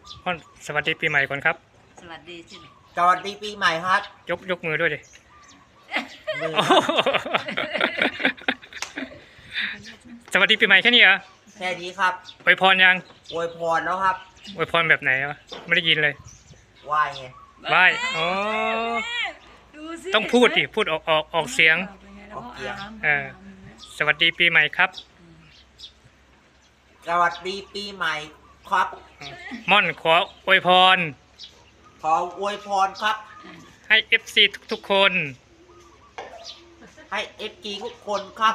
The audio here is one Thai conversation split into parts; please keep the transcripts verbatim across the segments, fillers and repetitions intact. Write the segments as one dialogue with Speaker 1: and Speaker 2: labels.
Speaker 1: พ่อนสวัสดีปีใหม่ก่อนครับ
Speaker 2: สวัสดีสิ
Speaker 3: สวัสดีปีใหม่ครับ
Speaker 1: ยกยกมือด้วยดิ
Speaker 3: มือ
Speaker 1: สวัสดีปีใหม่แค่นี้เหรอ
Speaker 3: แค่นี้ครับ
Speaker 1: อวยพรยัง
Speaker 3: อวยพรแล้วครับ
Speaker 1: อวยพรแบบไหนวะไม่ได้ยินเลย
Speaker 3: ไหว้ไง
Speaker 1: ไหว้อ๋อ
Speaker 2: ดูสิ
Speaker 1: ต้องพูดดิพูดออกออกออกเสียง
Speaker 3: ออกเสียง
Speaker 1: เออ สวัสดีปีใหม่ครับ
Speaker 3: สวัสดีปีใหม่ครับ
Speaker 1: ม่อนขออวยพร
Speaker 3: ขออวยพรครับ
Speaker 1: ให้ เอฟ ซี ทุกๆคน
Speaker 3: ให้เอฟจีทุกคนครับ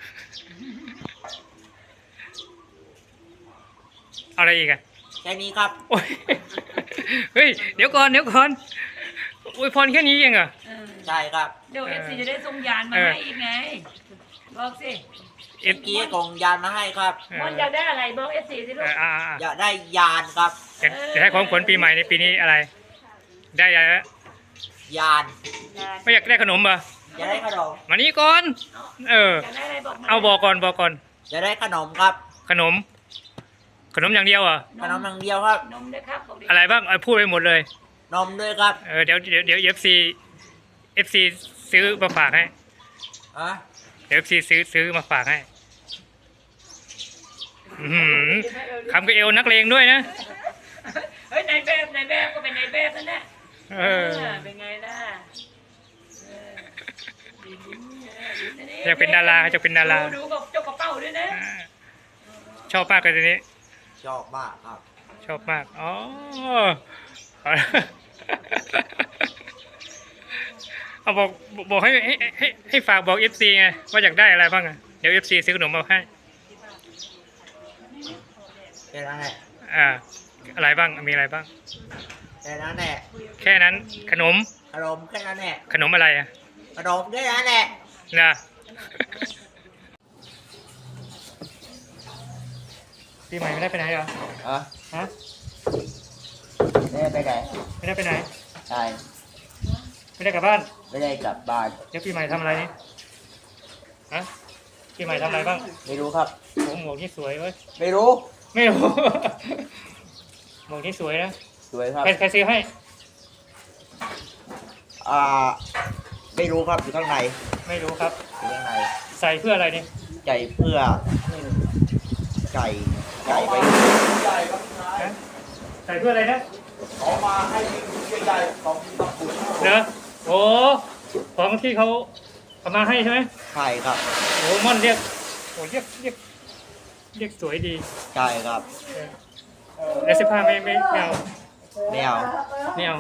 Speaker 1: อะไรอีกอะ
Speaker 3: แค่นี้ครับ
Speaker 1: โอ้ยเฮ้ยเดี๋ยวก่อนเดี๋ยวก่อนอวยพรแค่นี้เองเหรอ
Speaker 2: เออ
Speaker 3: ใช่ครับ
Speaker 2: เดี๋ยวเอฟซีจะได้ส่งยานมา
Speaker 1: เออ
Speaker 2: ให้อีกไง บอกสิ
Speaker 1: เอ
Speaker 3: เมื่
Speaker 1: ฟ
Speaker 3: อกี้ส่งยานมาให้ครับ
Speaker 2: มอนอยากได้อะไรบอกเอฟซีสิลูก
Speaker 1: อ่า
Speaker 3: อยากได้ยานครับ
Speaker 1: จะจะให้ของขวัญปีใหม่ในปีนี้อะไร ได้อะไรนะ
Speaker 3: ยาน
Speaker 2: ยาน
Speaker 1: ไม่อยากได้ขนมเหรอ
Speaker 3: อยากได้ขนม
Speaker 1: มานี่ก่อน เออ
Speaker 2: อยากได้อะไรบอกมา
Speaker 1: เอาบอกก่อนบอกก่อน
Speaker 3: อยากได้ขนมครับ
Speaker 1: ขนม ขนมอย่างเดียวเหรอ
Speaker 3: ขนมอย่างเดียวครับ
Speaker 2: นมด้วยครับบอกดิ
Speaker 1: อะไรบ้างเอาพูดไปหมดเลย
Speaker 3: นมด้วยครับ
Speaker 1: เออเดี๋ยวเดี๋ยวเดี๋ยวเอฟซีเอฟซีซื้อมาฝากให้
Speaker 3: อ่ะ
Speaker 1: เดี๋ยวเอฟซีซื้อซื้อมาฝากให้อื้อหือคำกับเอวนักเลงด้วยนะ
Speaker 2: เฮ้ยนายแบบนายแบบก็เป็นนายแบบนั่นแหละ
Speaker 1: เออ
Speaker 2: เป็นไงล่ะเออดีดีเออดีะ
Speaker 1: อยากเป็นดาราอยากเป็นดารา
Speaker 2: ดูกับเจ้ากระเป๋าด้วยนะ
Speaker 1: อ่าชอบมากเลยทีนี้
Speaker 3: ชอบมากครับ
Speaker 1: ชอบมาก อ๋อ เอาบอกบอกให้ให้ให้ให้ฝากบอกเอฟซีไงว่าอยากได้อะไรบ้างอะเดี๋ยวเอฟซีซื้อขนมมาให้
Speaker 3: แค่นั้นแหละ
Speaker 1: อ่า อะไรบ้าง มีอะไรบ้าง
Speaker 3: แค่นั้นแหละ
Speaker 1: แค่นั้น ขนม
Speaker 3: ขนมแค่นั้นแหละ
Speaker 1: ขนมอะไรอะ
Speaker 3: ขนมแค่นั้นแหละ
Speaker 1: นะปีใหม่ไม่ได้ไปไหนเหรอ
Speaker 3: อ่ะ
Speaker 1: ฮะ
Speaker 3: ไม่ได้ไปไหน
Speaker 1: ไม่ได้ไปไหน
Speaker 3: ใช่
Speaker 1: ไม่ได้กลับบ้าน
Speaker 3: ไม่ได้กลับบ้าน
Speaker 1: เดี๋ยวปีใหม่ทำอะไรนี่ฮะปีใหม่ทำอะไรบ้าง
Speaker 3: ไม่รู้ครับ
Speaker 1: โอ้หมวกนี่สวยเว้ย
Speaker 3: ไม่รู้
Speaker 1: ไม่รู้ หมวกนี่สวยนะ
Speaker 3: สวยครับ
Speaker 1: ใครใครซื้อให้
Speaker 3: อ่า ไม่รู้ครับอยู่ข้างใน
Speaker 1: ไม่รู้ครับ
Speaker 3: อยู่ข้างใน
Speaker 1: ใส่เพื่ออะไรนี่
Speaker 3: ใจเพื่อใจใจไป
Speaker 1: ฮะใส่เพื่ออะไรนะ
Speaker 3: เขามาให้ใหญ่ๆของตะกุด
Speaker 1: เนอะโอ้ของที่เขาเอามาให้ใช่ไหม
Speaker 3: ใช่ครับ
Speaker 1: โอ้ม่อนเรียกโอ้เรียกเรียกเรียกสวยดี
Speaker 3: ใช่ครับ
Speaker 1: เออแล้วเสื้อผ้าไม่ไม่ไม่เอา
Speaker 3: แนว
Speaker 1: ไม่เอา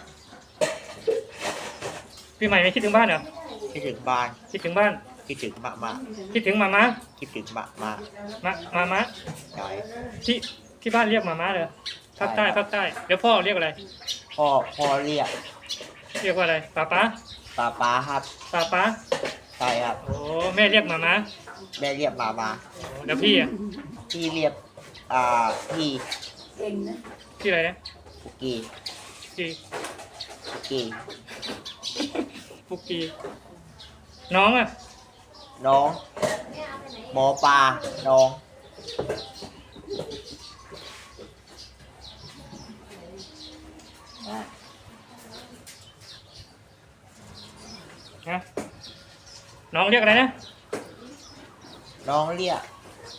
Speaker 1: ปีใหม่ไม่คิดถึงบ้านเหรอ
Speaker 3: คิดถึงบ้าน
Speaker 1: คิดถึงบ้าน
Speaker 3: คิดถึงมะมะ
Speaker 1: คิดถึงมาม่า
Speaker 3: คิดถึงมะมะ
Speaker 1: มามาม่า
Speaker 3: ใช่
Speaker 1: ที่ที่บ้านเรียกมาม่าเลยภาคใต้ภาคใต้เดี๋ยวพ่อเรียกอะไร
Speaker 3: พ่อพ่อเรียก
Speaker 1: เรียกว่าอะไรป้าป้า
Speaker 3: ป้าป้าครับ
Speaker 1: ป้าป้า
Speaker 3: ใช่ครับ
Speaker 1: โอ้แม่เรียกมาม่า
Speaker 3: แม่เรียกมามา
Speaker 1: โอ้แล้วพี่อ่ะ
Speaker 3: พี่เรียกอ่าพี่
Speaker 2: เก่งนะ
Speaker 1: พี่อะไรนะ
Speaker 3: ปุกกี้
Speaker 1: พี่
Speaker 3: ปุกกี้
Speaker 1: ปุกกี้น้องอ่ะ
Speaker 3: น้องหมอปลาน้อง
Speaker 1: นะน้องเรียกอะไรนะ
Speaker 3: น้องเรียก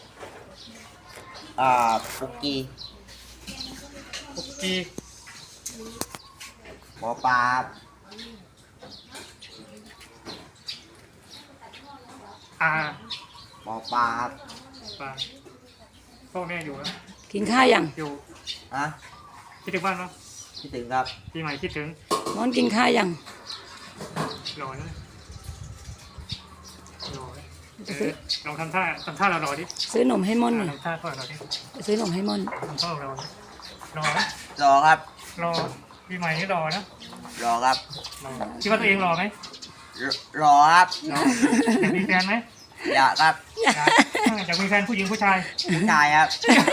Speaker 3: อ่าปุกกี้
Speaker 1: ปุกกี้
Speaker 3: หมอปลา
Speaker 1: อา
Speaker 3: หมอปลา
Speaker 1: ป้าพ่อแม่อยู่นะ
Speaker 2: กินข้าวยัง
Speaker 1: อยู่
Speaker 3: ฮะ
Speaker 1: คิดถึงบ้านปะ
Speaker 3: คิดถึงครับ
Speaker 1: ปีใหม่คิดถึง
Speaker 2: มอนกินข้าวยัง
Speaker 1: รอนะรอนะเออลองทำท่าทำท่าเรารอดิ
Speaker 2: ซื้อนมให้มอนหน่อย
Speaker 1: ทำท่าพ่อเราดิ
Speaker 2: ซื้อนมให้มอน
Speaker 1: ทำท่าเราดิรอนะ
Speaker 3: รอครับ
Speaker 1: รอปีใหม่นี่รอนะ
Speaker 3: รอครับ
Speaker 1: รอคิดว่าตัวเองรอไหม
Speaker 3: รรอครับ
Speaker 1: รออยากมีแฟนไหม
Speaker 3: อยากครับ
Speaker 1: อยากอยากมีแฟนผู้หญิงผู้ชาย
Speaker 3: ผู้ชายครับ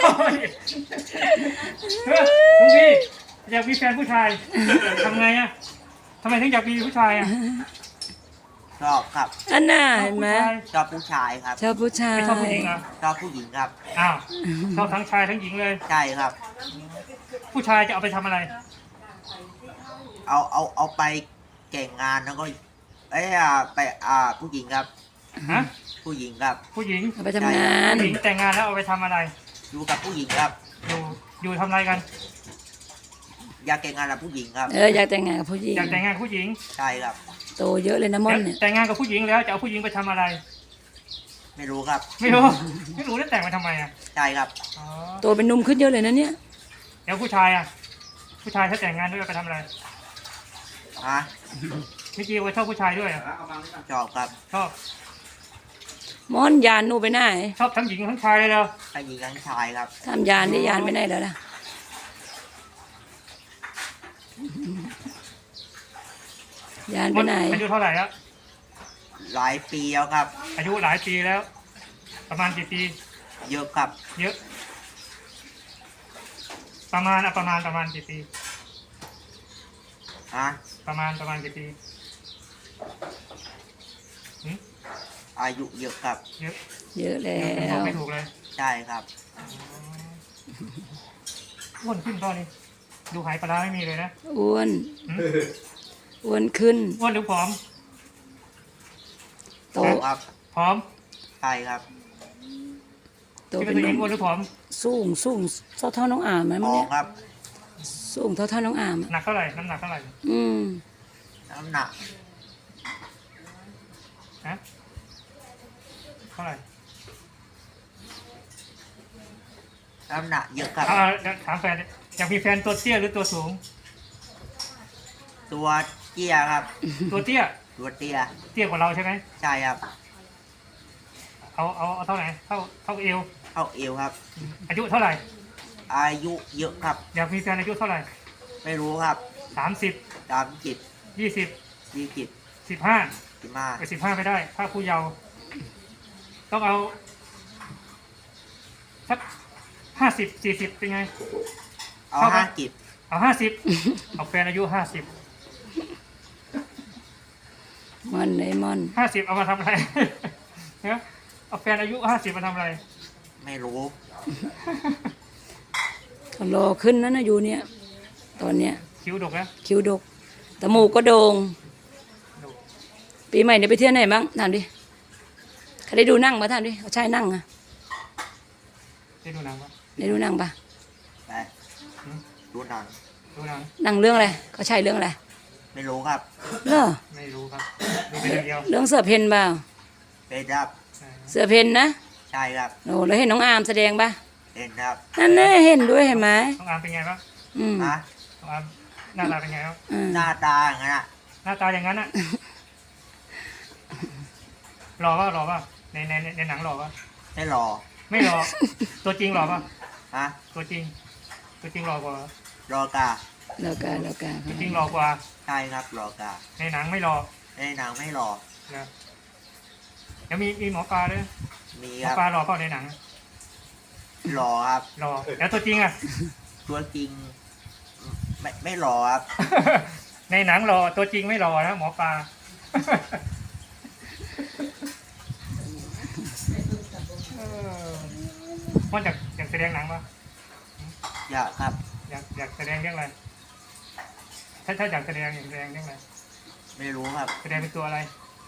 Speaker 1: เฮ้ยลุงพี่อยากมีแฟนผู้ชายทำไงอ่ะทำไมถึงอยากมีผู้ชายอ่ะ
Speaker 3: ชอบครับ
Speaker 2: อันน่าเห็นไหม
Speaker 3: ชอบผู้ชายครับ
Speaker 2: ชอบผู้ชาย
Speaker 1: ไม่ชอบผู้หญิงเหรอ
Speaker 3: ชอบผู้หญิงครับ
Speaker 1: อ้าวชอบทั้งชายทั้งหญิงเลย
Speaker 3: ใช่ครับ
Speaker 1: ผู้ชายจะเอาไปทำอะไร
Speaker 3: เอาเอาเอาไปแก่งงานแล้วก็เอ้ยอ่าไปอ่าผู้หญิงครับ
Speaker 1: ฮะ
Speaker 3: ผู้หญิงครับ
Speaker 1: ผู้หญิง
Speaker 2: เอาไปทำงาน
Speaker 1: ผู้หญิงแต่งงานแล้วเอาไปทำอะไร
Speaker 3: อยู่กับผู้หญิงครับ
Speaker 1: อยู่อยู่ทำอะไรกัน
Speaker 3: อยากแต่งงานกับผู้หญิงครับ
Speaker 2: เอออยากแต่งงานกับผู้หญิง
Speaker 1: อยากแต่งงานกับผู้หญิง
Speaker 3: ใช่ครับ
Speaker 2: โตเยอะเลยนะม่อนเนี่ย
Speaker 1: แต่งงานกับผู้หญิงแล้วจะเอาผู้หญิงไปทำอะไร
Speaker 3: ไม่รู้ครับ
Speaker 1: ไม่รู้ ไม่รู้แล้วแต่งมาทำไมอ่ะ
Speaker 3: ใช่ครับ
Speaker 1: อ๋อ
Speaker 2: โตเป็นหนุ่มขึ้นเยอะเลยนะเนี่ย
Speaker 1: เดี๋ยวผู้ชายอ่ะ ผู้ชายถ้าแต่งงานด้วยไปทำอะไร
Speaker 3: ฮะ
Speaker 1: ไม่กี้ว่าชอบผู้ชายด้วยอะ
Speaker 3: ชอบครับ
Speaker 1: ชอบ
Speaker 2: ม่อนยานหนูไปไหน
Speaker 1: ชอบทั้งหญิงทั้งชายเลยเหรอ
Speaker 3: ทั้งหญิงทั้งชายครับ
Speaker 2: ทำยานได้ยานไปไหนแล้วล่ะยานไปไหน
Speaker 1: อายุเท่าไหร่แล้ว
Speaker 3: หลายปีแล้วครับ
Speaker 1: อายุหลายปีแล้ว ประมาณกี่ปี
Speaker 3: เยอะครับ
Speaker 1: เยอะ ประมาณอะประมาณประมาณกี่ปี
Speaker 3: ฮะ
Speaker 1: ประมาณประมาณกี่ปีหืม
Speaker 3: อายุเยอะครับ
Speaker 1: เยอะ
Speaker 2: เยอะแล้
Speaker 1: เยอะบอก
Speaker 2: ว
Speaker 1: ไม่ถูกเลย
Speaker 3: ใช่ครับ
Speaker 1: อ้วนขึ้นตอนนี้ ดูหายปลาร้าไม่มีเลยนะ
Speaker 2: อ้วน
Speaker 1: หืม
Speaker 2: อ้วนขึ้น
Speaker 1: อ้วนหรือผอม
Speaker 2: โต
Speaker 3: ครับ
Speaker 1: ผอม
Speaker 3: ใช่ครับ
Speaker 2: โต
Speaker 1: คิด
Speaker 2: เป็
Speaker 1: ว่าน ตัว
Speaker 2: ห
Speaker 1: เอ
Speaker 2: นุ่
Speaker 1: ง
Speaker 2: ม
Speaker 1: อ้วนหรือผอม
Speaker 2: สูงสูงเท่าเท่าน้องอามไหม
Speaker 3: ท
Speaker 2: มัน
Speaker 3: อง
Speaker 2: เนี่ย
Speaker 3: ครับ
Speaker 2: สูงเท่าเท่าน้องอามอะ
Speaker 1: หนักเท่าไหร่ น้ำหนักเท่าไหร่
Speaker 2: อืม
Speaker 3: น้ำหนัก
Speaker 1: ฮะ เท่าไหร่
Speaker 3: น้ำหนักเยอะครับ
Speaker 1: อ่าเดี๋ยวถามแฟนดิอยากมีแฟนตัวเตี้ยหรือตัวสูง
Speaker 3: ตัวเตี้ยครับ
Speaker 1: ตัวเตี้ย
Speaker 3: ตัวเตี้ย
Speaker 1: เตี้ยกว่าเราใช่ไหม
Speaker 3: ใช่ครับ
Speaker 1: เอาเอาเอาเท่าไหร่ เท่าเท่าเอว
Speaker 3: เท่าเอวครับ
Speaker 1: อายุเท่าไหร่
Speaker 3: อายุเยอะครับ
Speaker 1: อยากมีแฟนอายุเท่าไหร่
Speaker 3: ไม่รู้ครับ
Speaker 1: สามสิบ
Speaker 3: สามจิต
Speaker 1: ยี่สิบ
Speaker 3: ยี่จิต
Speaker 1: สิบห้า
Speaker 3: สิบห้า
Speaker 1: ไปสิบห้าไม่ได้ ถ้าผู้เยาว์ต้องเอาสักห้าสิบสี่สิบเป็นไง
Speaker 3: เอา
Speaker 1: เท่ากัน
Speaker 3: ห้าจิต
Speaker 1: เอาห้าสิบเอาแฟนอายุห้าสิบ
Speaker 2: ม่อนเลยม่อน
Speaker 1: ห้าสิบเอามาทำอะไร เนี่ยเอาแฟนอายุห้าสิบมาทำอะไร
Speaker 3: ไม่รู้
Speaker 2: ก็รอขึ้นนั่นนะอยู่เนี่ย ตอนเนี้ย
Speaker 1: คิ้วดกนะ
Speaker 2: คิ้วดกจมูกก็โด่งปีใหม่เนี่ยไปเที่ยวไหนบ้างถามดิใครได้ดูนั่งปะถามดิเขาใช่นั่งอะ
Speaker 1: ได้ดูหนังปะ
Speaker 2: ได้ดูนั่งปะ
Speaker 3: ไปดูหนัง
Speaker 1: ดูหนัง
Speaker 2: นั่งเรื่องอะไรเขาใช่เรื่องอะไร
Speaker 3: ไม่รู้ครับ
Speaker 2: เหรอ
Speaker 1: ไม่รู้ครับ ดูไปอย่างเดียว
Speaker 2: เรื่องเสือเพนเปล่า
Speaker 3: เป็นครับ
Speaker 1: เออ
Speaker 2: เสือเพนนะ
Speaker 3: ใช่ครับ
Speaker 2: โอ้แล้วเห็นน้องอามแสดงปะ
Speaker 3: เป็นครับ
Speaker 2: นั่นแน่เห็นด้วยเห็นไหม
Speaker 1: น้องอามเป็นไงบ้าง
Speaker 2: อืม
Speaker 3: ฮะ
Speaker 1: น้องอามหน้าตาเป็นไงบ้าง
Speaker 2: อ่า
Speaker 3: หน้าตาอย่างนั้นอะ
Speaker 1: หน้าตาอย่างนั้นอะหล่อป่ะหล่อป่ะในในในในหนังหล่อป่ะ
Speaker 3: ไม่หล่อ
Speaker 1: ไม่หล่อ ตัวจริงหล่อป่ะ
Speaker 3: ฮะ
Speaker 1: ตัวจริง ตัวจริงหล่อกว่า
Speaker 3: รอกา
Speaker 2: แล้วกันแล้วกัน
Speaker 1: ตัวจริงหล่อกว่า
Speaker 3: ใช่ครับรอกา
Speaker 1: ในหนังไม่หล่อ
Speaker 3: ในหนังไม่หล่อ
Speaker 1: นะแล้วมีมีหมอปลาด้วย
Speaker 3: มี
Speaker 1: หม
Speaker 3: ค
Speaker 1: อ
Speaker 3: รับ
Speaker 1: ปลาหล่อเปล่าในหนัง
Speaker 3: หล่อครับ
Speaker 1: หล่อแล้วตัวจริงอะ
Speaker 3: ตัวจริง ไม่ไม่หล่อครับ
Speaker 1: ในหนังหล่อตัวจริงไม่หล่อนะหมอปลา เออมันอยากอยากแสดงหนังปะ
Speaker 3: อยากครับ
Speaker 1: อยากอยากแสดงเรื่องอะไร ถ้าถ้าอยากแสดงอยากแสดงเรื่องอะไร
Speaker 3: ไม่รู้ครับ
Speaker 1: แสดงเป็นตัวอะไร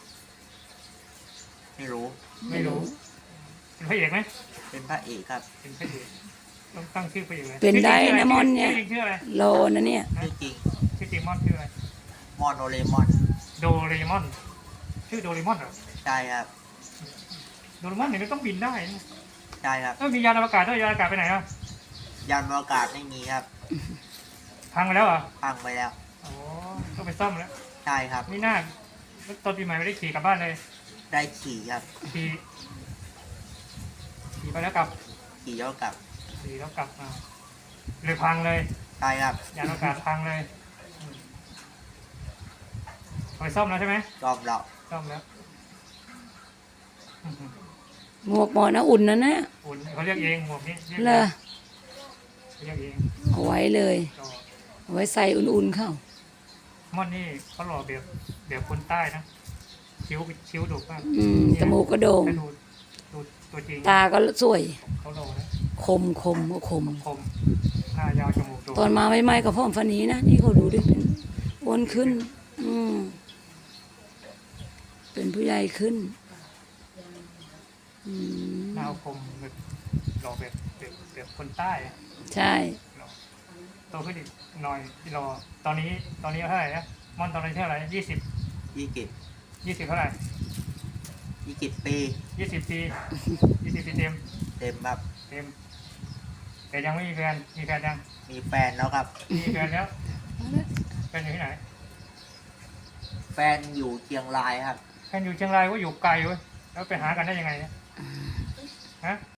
Speaker 3: ไม่รู้
Speaker 1: ไม่รู้ เป็นพระเอกไหม
Speaker 3: เป็นพระเอกครับ
Speaker 1: เป็นพระเอกต้องตั้งชื่อพระเอกเลย
Speaker 2: เป็นได้นะมอนเนี่ย
Speaker 1: ชื่อจริงชื่ออะไร
Speaker 2: โลนะเนี่ย
Speaker 3: ชื่อจริง
Speaker 1: ชื่อจริงมอนชื่ออะไร
Speaker 3: มอนโดเรมอน
Speaker 1: โดเรมอน ชื่อโดเรมอนเหรอ
Speaker 3: ใช่ครับ
Speaker 1: โดเรมอนเนี่ยมันต้องบินได้นะ
Speaker 3: ใช่ครับ
Speaker 1: เออมียานอวกาศด้วยยานอวกาศไปไหนอ่ะ
Speaker 3: ยานอวกาศไม่มีครับ
Speaker 1: พังไปแล้วเหรอ
Speaker 3: พังไปแล้ว
Speaker 1: โอ้ต้องไปซ่อมแล้ว
Speaker 3: ใช่ครับ
Speaker 1: ไม่น่าตอนปีใหม่ไม่ได้ขี่กลับบ้านเลย
Speaker 3: ได้ขี่ครับ
Speaker 1: ขี่ขี่ไปแล้วกลับ
Speaker 3: ขี่แล้วกลับ
Speaker 1: ขี่แล้วกลับมาเลยพังเลย
Speaker 3: ใช่ครับ
Speaker 1: ยานอวกาศพังเลยอืมเอาไปซ่อมแล้วใช่ไหม
Speaker 3: รอบเรา
Speaker 1: ซ่อมแล้วอื้อหือ
Speaker 2: หมวกหมอนะอุ่นนะเนี่ย
Speaker 1: อุ่นเขาเรียกเองหมวกนี้เรียก
Speaker 2: เล
Speaker 1: เอง
Speaker 2: ย
Speaker 1: เขาเรียกเอง
Speaker 2: เอาไว้เลย
Speaker 1: ก็
Speaker 2: เอาไว้ใส่อุ่นๆเข้า
Speaker 1: ม่อนนี่เขาหล่อแบบแบบคนใต้นะคิ้วคิ้วดุมาก
Speaker 2: อืมจมูกก็โด่ง
Speaker 1: ให้ดูดูตัวจริง
Speaker 2: ตาก็สวย
Speaker 1: เขาโดนนะ
Speaker 2: คมคมก็คม
Speaker 1: คมหน้ายาวจมูกโด่ง
Speaker 2: ตอนมาใหม่ๆกับพ่อมฟันนี้นะนี่เขาดูดิเป็นอ้วนขึ้น อืมเป็นผู้ใหญ่ขึ้น อืม
Speaker 1: หน้าคมแบบหล่อแบบแบบแบบคนใต้อะ
Speaker 2: ใช่
Speaker 1: หล่อโตขึ้นอีกหน่อยหล่อตอนนี้ตอนนี้เท่าไหร่นะมอนตอนนี้เท่าไหร่ยี่สิบ
Speaker 3: ยี่สิบ
Speaker 1: ยี่สิบเท่าไหร่
Speaker 3: ยี่สิบปี
Speaker 1: ยี่สิบปียี่สิบปีเต็ม
Speaker 3: เต็มครับ
Speaker 1: เต็มแต่ยังไม่มีแฟนมีแฟนยัง
Speaker 3: มีแฟนแล้วครับ
Speaker 1: มีแฟนแล้วแฟนอยู่ที่ไหน
Speaker 3: แฟนอยู่เชียงรายครับ
Speaker 1: แฟนอยู่เชียงรายก็อยู่ไกลเว้ยแล้วไปหากันได้ยังไงเนี่ยฮะ